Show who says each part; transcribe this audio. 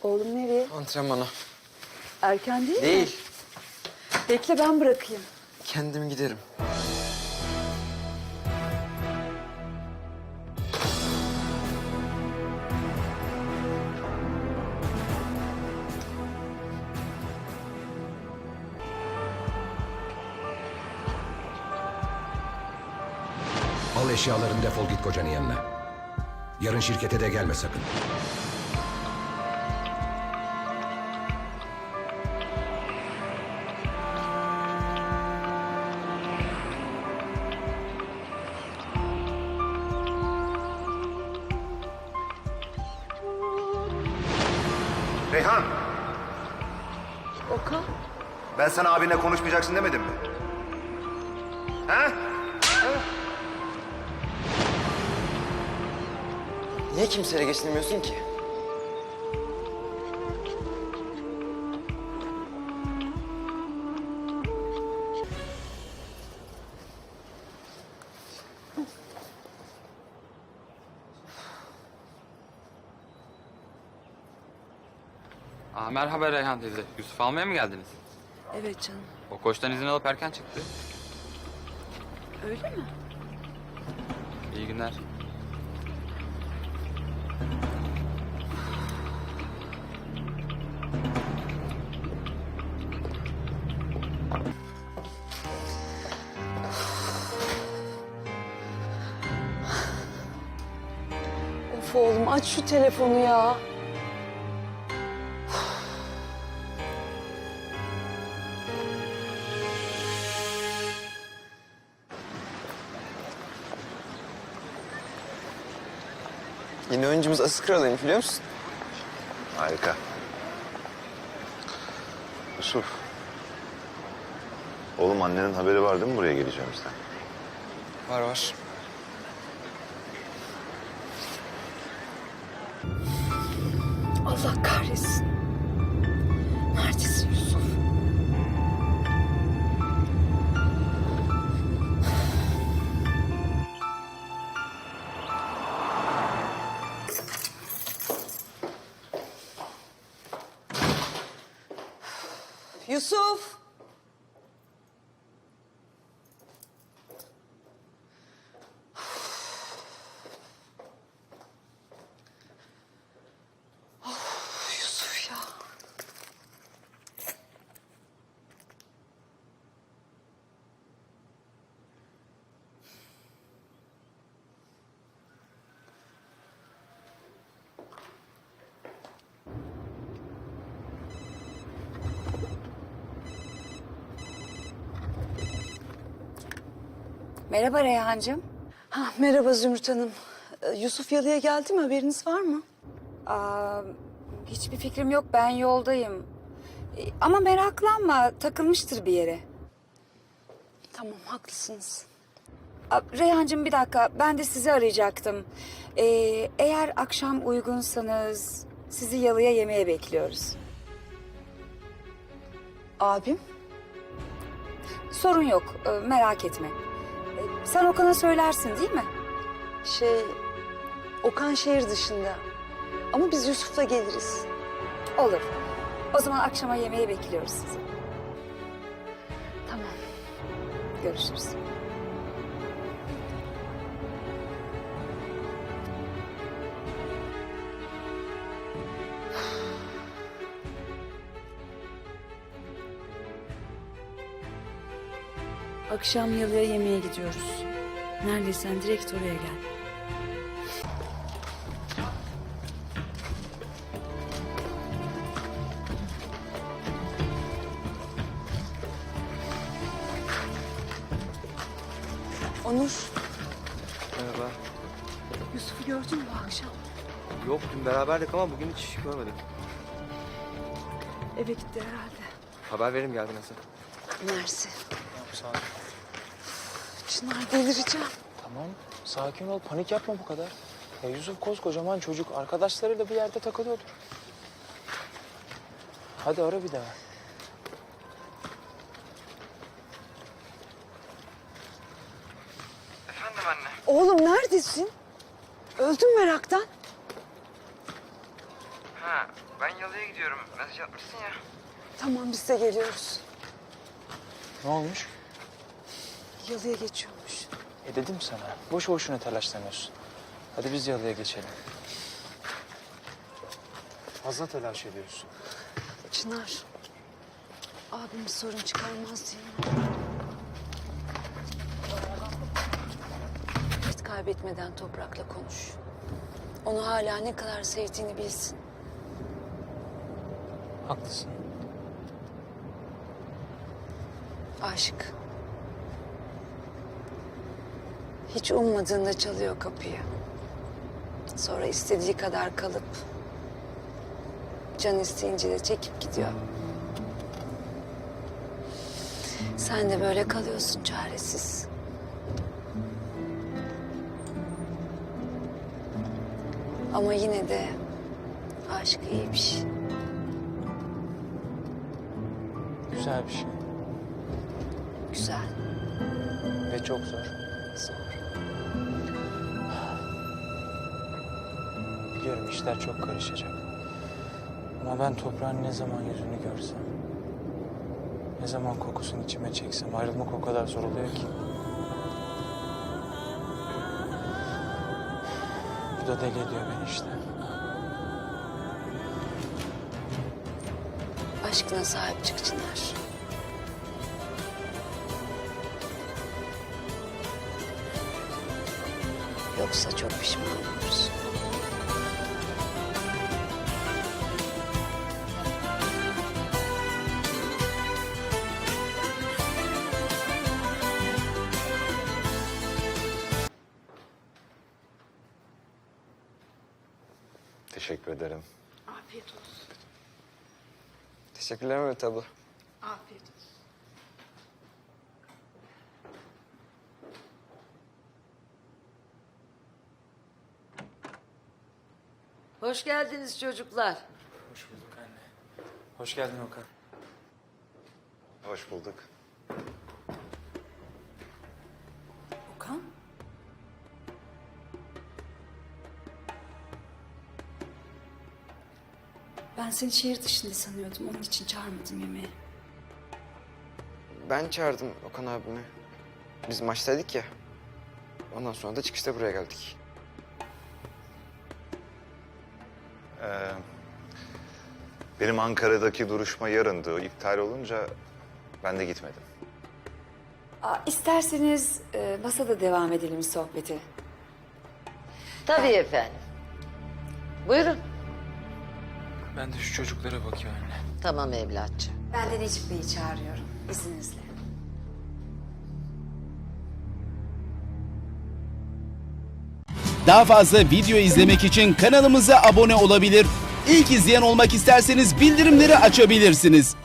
Speaker 1: Oğlum nereye?
Speaker 2: Antrenmana.
Speaker 1: Erken değil mi?
Speaker 2: Değil.
Speaker 1: Bekle ben bırakayım.
Speaker 2: Kendim giderim.
Speaker 3: Al eşyalarını, defol git kocanın yanına. Yarın şirkete de gelme sakın.
Speaker 4: Reyhan,
Speaker 1: Okan.
Speaker 4: ben sana abinle konuşmayacaksın demedim mi? Ha?
Speaker 2: Niye kimseyle geçinmiyorsun ki?
Speaker 5: Merhaba Reyhan teyze. Yusuf almaya mı geldiniz?
Speaker 1: Evet canım.
Speaker 5: O koçtan izin alıp erken çıktı.
Speaker 1: Öyle mi?
Speaker 5: İyi günler.
Speaker 1: Of oğlum aç şu telefonu ya.
Speaker 2: Yeni oyuncumuz Asıl Kral'ıymış biliyor musun?
Speaker 4: Harika. Yusuf. Oğlum annenin haberi var değil mi buraya geleceğimizden?
Speaker 2: Var var.
Speaker 1: Allah kahretsin. Neredesin Yusuf? Yusuf! Yusuf ya.
Speaker 6: Merhaba Reyhancığım.
Speaker 1: Merhaba Zümrüt Hanım. Yusuf Yalı'ya geldi mi? Haberiniz var mı?
Speaker 6: Hiçbir fikrim yok, ben yoldayım. Ama meraklanma, takılmıştır bir yere.
Speaker 1: Tamam, haklısınız.
Speaker 6: Reyhancığım bir dakika, ben de sizi arayacaktım. Eğer akşam uygunsanız sizi Yalı'ya yemeğe bekliyoruz.
Speaker 1: Abim?
Speaker 6: Sorun yok, merak etme. Sen Okan'a söylersin değil mi?
Speaker 1: Okan şehir dışında. Ama biz Yusuf'la geliriz.
Speaker 6: Olur. O zaman akşama yemeğe bekliyoruz sizi.
Speaker 1: Tamam.
Speaker 6: Görüşürüz.
Speaker 1: Akşam Yalı'ya yemeğe gidiyoruz. Neredeysen direkt oraya gel. Onur,
Speaker 2: Merhaba.
Speaker 1: Yusuf'u gördün mü bu akşam?
Speaker 2: Yok dün beraberdik ama bugün hiç görmedim.
Speaker 1: Eve gitti herhalde.
Speaker 2: Haber verim geldi nasıl?
Speaker 1: Mersi.
Speaker 7: Sağ ol.
Speaker 1: Çınar delireceğim.
Speaker 7: Tamam, sakin ol. Panik yapma bu kadar. Ya Yusuf koskocaman çocuk. Arkadaşlarıyla bir yerde takılıyordur. Hadi ara bir daha.
Speaker 2: Efendim anne.
Speaker 1: Oğlum neredesin? Öldüm meraktan.
Speaker 2: Ha, ben yalıya gidiyorum. Mesaj atmışsın ya.
Speaker 1: Tamam biz de geliyoruz.
Speaker 7: Ne olmuş?
Speaker 1: Yalıya geçiyormuş.
Speaker 7: Dedim sana. Boş boşuna telaşlanıyorsun. Hadi biz yalıya geçelim. Fazla telaş ediyorsun.
Speaker 1: Çınar. Abim bir sorun çıkarmaz değil mi? Vakit kaybetmeden Toprak'la konuş. Onu hala ne kadar sevdiğini bilsin.
Speaker 7: Haklısın.
Speaker 1: Aşık. Hiç ummadığında çalıyor kapıyı. Sonra istediği kadar kalıp can isteyince de çekip gidiyor. Sen de böyle kalıyorsun çaresiz. Ama yine de aşk iyi bir şey.
Speaker 7: Güzel bir şey.
Speaker 1: Güzel,
Speaker 7: Ve çok zor.
Speaker 1: zor.
Speaker 7: Biliyorum işler çok karışacak. Ama ben toprağın ne zaman yüzünü görsem, ne zaman kokusunu içime çeksem ayrılmak o kadar zor oluyor ki. Bu da deli ediyor beni işte.
Speaker 1: Aşkına sahip çık Çınar. Yoksa çok pişman olursun.
Speaker 8: Teşekkür ederim.
Speaker 1: Afiyet olsun.
Speaker 2: Teşekkürler Mehmet abla.
Speaker 1: Afiyet olsun.
Speaker 9: Hoş geldiniz çocuklar.
Speaker 7: Hoş bulduk anne. Hoş geldin Okan.
Speaker 8: Hoş bulduk.
Speaker 6: Okan? Ben seni şehir dışında sanıyordum. Onun için çağırmadım yemeğe.
Speaker 2: Ben çağırdım Okan abimi. Biz maçtaydık ya. Ondan sonra da çıkışta buraya geldik.
Speaker 8: Benim Ankara'daki duruşma yarındı. O iptal olunca ben de gitmedim.
Speaker 6: İsterseniz masada devam edelim sohbeti.
Speaker 9: Tabii efendim. Buyurun.
Speaker 7: Ben de şu çocuklara bakıyorum anne.
Speaker 9: Tamam evlatçığım.
Speaker 6: Ben de Necip Bey'i çağırıyorum izninizle.
Speaker 10: Daha fazla video izlemek için kanalımıza abone olabilir. İlk izleyen olmak isterseniz bildirimleri açabilirsiniz.